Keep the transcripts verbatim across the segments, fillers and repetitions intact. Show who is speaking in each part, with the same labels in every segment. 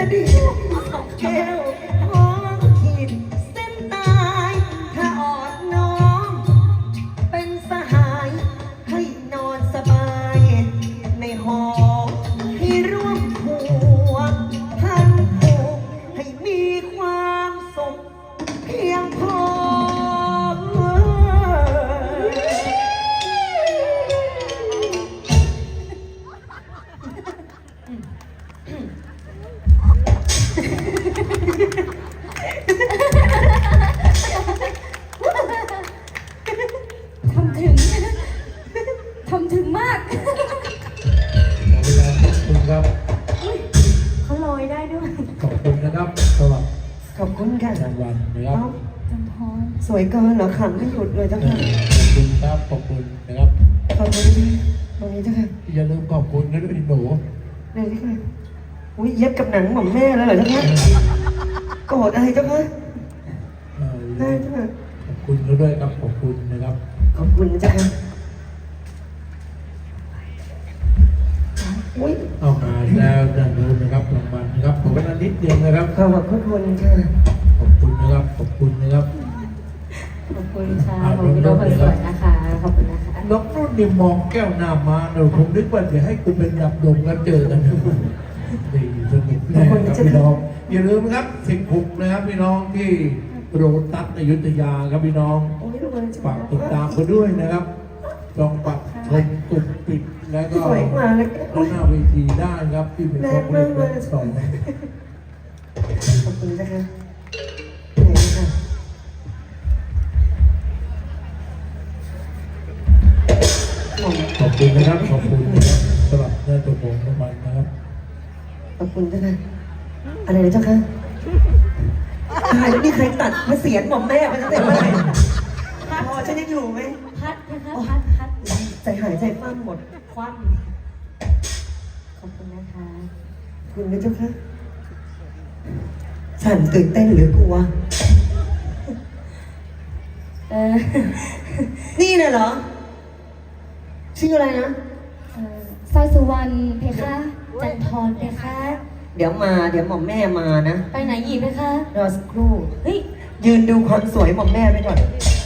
Speaker 1: ดิแก้วท้องขีดเส้นตายถ้าออดน้องเป็นสหายให้นอนสบายในหอที่ร่วมผัวพันผูกให้มีความสุขเพียงพอ
Speaker 2: ทำถึงทำถึงมาก
Speaker 3: ขอบคุณครับ
Speaker 2: เขาลอยได้ด้วย
Speaker 3: ขอบคุณนะครับสำหรับ
Speaker 1: ขอบคุณค่ะ
Speaker 3: รางวัลนะครับ
Speaker 1: เอ้า
Speaker 2: จำพร
Speaker 1: สวยเกินเหรอขำไม่หยุดเลยเจ้าค่ะ
Speaker 3: ขอบคุณครับขอบคุณนะครับ
Speaker 1: ขอบคุณพี่ตรงนี้เจ้าค่ะ
Speaker 3: อย่าลืมขอบคุณนะด้วยหนู
Speaker 1: เลยเจ้าค่ะอุ้ยเย็บกับหนังหม่อมแม่เลยเหรอเจ้าค่ะโกรธอะไรเจ้าค่ะ
Speaker 3: เอ่อ
Speaker 1: ได้เจ้าค่ะ
Speaker 3: ขอบคุณเขาด้วยครับขอบคุณนะครับ
Speaker 1: ขอบคุณเจ้าค่ะอุ้ย
Speaker 3: เอามาแล้วด้านนู้นนะครับรางวัลนะครับขอเวลานิดเดียวนะครับ
Speaker 1: ขอบพระคุณค่ะ
Speaker 3: ขอบคุณนะครับขอบคุณนะครับ
Speaker 2: ขอบคุณค่ะขอบคุณน้องคนสวยนะคะขอบคุณนะคะ
Speaker 3: น้องนุ่นนี่มองแก้วหน้ามาเราคงนึกว่าจะให้กูเป็นดับดมกันเจอกันดีสนุกแน่ครับพี่น้องอย่าลืมนะครับสิบหกนะครับพี่น้องที่โรตัสอยุธยาครับพี่น้อง
Speaker 1: โอ้ยลูกเอ้ย
Speaker 3: ฝากติดตามกันด้วยนะครับลองปักชมตุกปิดแล้วก็
Speaker 1: สวยกว่าเลย
Speaker 3: หน้าเวทีได้ครับที่เป็นครอบครัวสอง
Speaker 1: ขอบคุณเจ้าค่ะไหนค่ะ
Speaker 3: ขอบคุณนะครับขอบคุณนะครับสำหรับเนื้อตัวผมน้ำมันนะครับ
Speaker 1: ขอบคุณเจ้าค่ะอะไรนะเจ้าค่ะใครนี่ใครตัดมาเสียนหม่อมแม่มาตั้งแต่เมื่อไหร่พอฉันยังอยู่ไหม
Speaker 2: พัดนะคะพัดพัด
Speaker 1: ใจหายใจคว่ำหมด
Speaker 2: คว่ำขอบคุณนะคะ
Speaker 1: คุณนะเจ้าค่ะฉันตื่นเต้นหรือกลัว
Speaker 2: เออ
Speaker 1: นี่น่ะเหรอ ชื่ออะไรนะ
Speaker 2: เอ่อสร้อยสุวรรณเพคะจันทรเพคะ
Speaker 1: เดี๋ยวมา เดี๋ยวหม่อมแม่มานะ
Speaker 2: ไปไหนหยีเพคะ
Speaker 1: รอสักครู่
Speaker 2: เฮ้ย
Speaker 1: ยืนดูความสวยหม่อมแม่ไปก่อน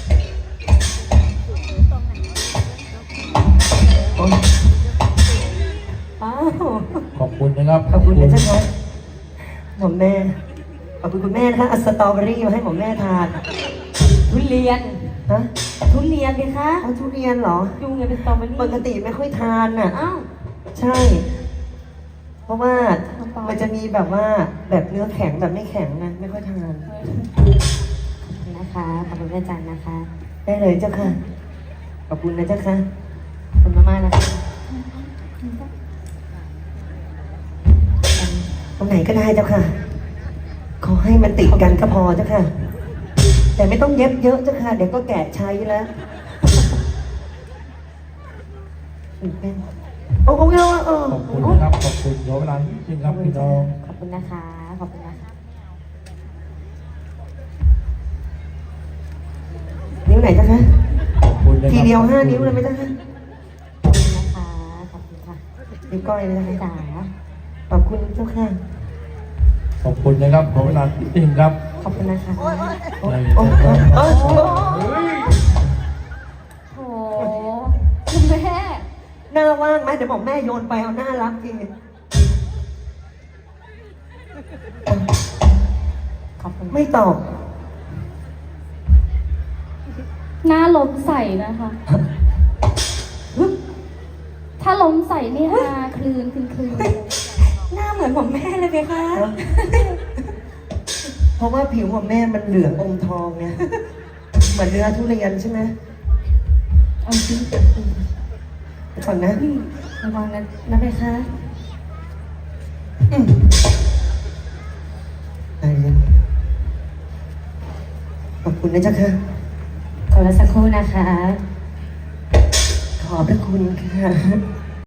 Speaker 1: โอ๊ย
Speaker 2: อ้าว
Speaker 3: ขอบคุณนะครับ
Speaker 1: ขอบคุณนะเจ้าค่ะหม่อมแม่ ขอบคุณคุณแม่นะคะเอาสตรอเบอรี่มาให้หม่อมแม่ทาน
Speaker 2: ทุเรียน
Speaker 1: ฮะ
Speaker 2: ทุเรียนเพคะ
Speaker 1: เอาทุเรียนเหรอ
Speaker 2: ยุงไงเป็นสตรอเบอรี่
Speaker 1: ปกติไม่ค่อยทานน่ะ
Speaker 2: อ้าว
Speaker 1: ใช่ เพราะว่า
Speaker 2: น้ำปลามั
Speaker 1: มันจะมีแบบว่าแบบเนื้อแข็งแบบไม่แข็งนะไม่ค่อยทาน
Speaker 2: นะคะขอบคุณแม่จันนะคะ
Speaker 1: ได้เลยเจ้าค่ะ ขอบคุณนะเจ้าค่ะ
Speaker 2: ขอบคุณมากๆนะคะ
Speaker 1: ตรงไหนก็ได้เจ้าค่ะ ขอให้มันติดกันก็พอเจ้าค่ะ แต่ไม่ต้องเย็บเยอะเจ้าค่ะ เดี๋ยวก็แกะใช้แล้วตื่นเต้นโอ้โหเออเออ
Speaker 3: ขอบคุณนะครับขอบคุณขอเวลานิดนึงครับพี่น้อง
Speaker 2: ขอบคุณนะคะ ขอบคุณนะคะ
Speaker 1: นิ้วไหนเจ้าค่ะ
Speaker 3: ขอบคุณนะครับ
Speaker 1: ทีเดียวห้านิ้วเลยไหมเจ้าค่ะ
Speaker 2: ขอบคุณนะคะ ขอบคุณค่ะ
Speaker 1: นิ้วก้อยเลยนะ
Speaker 2: จ๋า
Speaker 1: คะขอบคุณเจ้าค่ะ
Speaker 3: ขอบคุณนะครับขอเวลานิดนึงครับ
Speaker 2: ขอบคุณนะคะ
Speaker 1: โอ้โอ้โอ้โอ้
Speaker 2: โถคุณแม่
Speaker 1: หน้าว่างไหมเดี๋ยวบอกแม่โยนไปเอาหน้ารักจริง
Speaker 2: ขอบคุณ
Speaker 1: ไม่ตอบ
Speaker 2: หน้าล้มใส่นะคะ ถ้าล้มใส่นี่ฮาคลืนคลืนคลืน
Speaker 1: หน้าเหมือนของแม่เลยไหมคะ เพราะว่าผิวของแม่มันเหลืองอมทองไง เหมือนเนื้อทุเรียนใช่ไหม
Speaker 2: เอาจริง
Speaker 1: ก่อนนะ
Speaker 2: ระวังนะนะเพคะ
Speaker 1: อืมอะไรเนี่ยขอบคุณนะเจ้าค่ะ
Speaker 2: ขอรอสักครู่นะคะ
Speaker 1: ขอบพระคุณค่ะ